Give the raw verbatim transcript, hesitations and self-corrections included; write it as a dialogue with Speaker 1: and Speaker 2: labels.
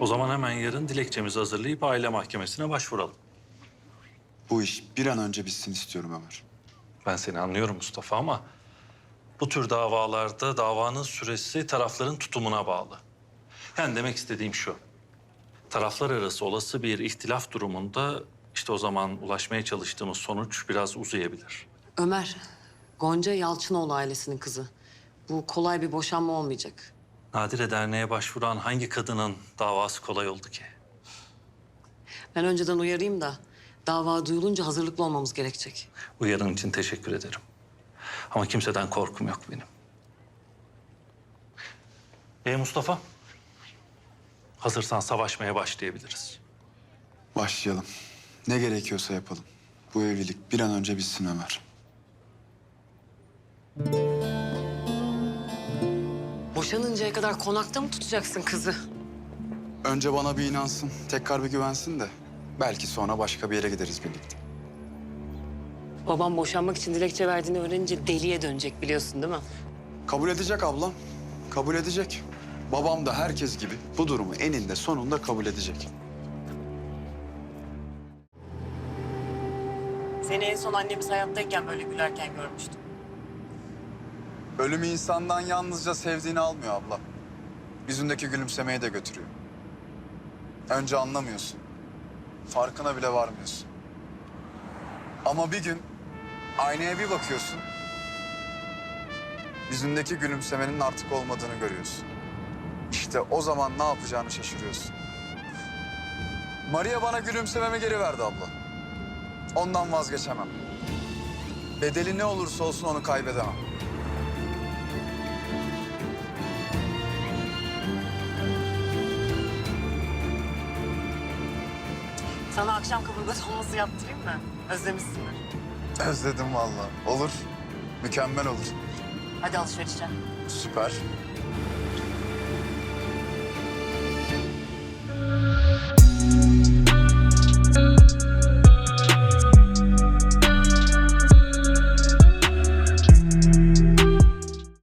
Speaker 1: O zaman hemen yarın dilekçemizi hazırlayıp aile mahkemesine başvuralım.
Speaker 2: Bu iş bir an önce bitsin istiyorum Ömer.
Speaker 1: Ben seni anlıyorum Mustafa ama bu tür davalarda davanın süresi tarafların tutumuna bağlı. Yani demek istediğim şu. Taraflar arası olası bir ihtilaf durumunda işte o zaman ulaşmaya çalıştığımız sonuç biraz uzayabilir.
Speaker 3: Ömer, Gonca Yalçınoğlu ailesinin kızı. Bu kolay bir boşanma olmayacak.
Speaker 1: Nadire Derneği'ne başvuran hangi kadının davası kolay oldu ki?
Speaker 3: Ben önceden uyarayım da dava duyulunca hazırlıklı olmamız gerekecek.
Speaker 1: Uyarın için teşekkür ederim. Ama kimseden korkum yok benim. E Mustafa? Hazırsan savaşmaya başlayabiliriz.
Speaker 2: Başlayalım. Ne gerekiyorsa yapalım. Bu evlilik bir an önce bitsin Ömer.
Speaker 3: Boşanıncaya kadar konakta mı tutacaksın kızı?
Speaker 2: Önce bana bir inansın, tekrar bir güvensin de belki sonra başka bir yere gideriz birlikte.
Speaker 3: Babam boşanmak için dilekçe verdiğini öğrenince deliye dönecek biliyorsun değil mi?
Speaker 2: Kabul edecek ablam, kabul edecek. Babam da herkes gibi bu durumu eninde sonunda kabul edecek.
Speaker 3: Seni en son annemiz hayattayken böyle gülerken görmüştüm.
Speaker 2: Ölüm insandan yalnızca sevdiğini almıyor abla. Yüzündeki gülümsemeyi de götürüyor. Önce anlamıyorsun. Farkına bile varmıyorsun. Ama bir gün aynaya bir bakıyorsun. Yüzündeki gülümsemenin artık olmadığını görüyorsun. İşte o zaman ne yapacağını şaşırıyorsun. Maria bana gülümsememi geri verdi abla. Ondan vazgeçemem. Bedeli ne olursa olsun onu kaybedemem.
Speaker 3: Sana akşam kaburga dolması yaptırayım mı? Özlemişsindir.
Speaker 2: Özledim vallahi. Olur. Mükemmel olur.
Speaker 3: Hadi alışverişe.
Speaker 2: Süper.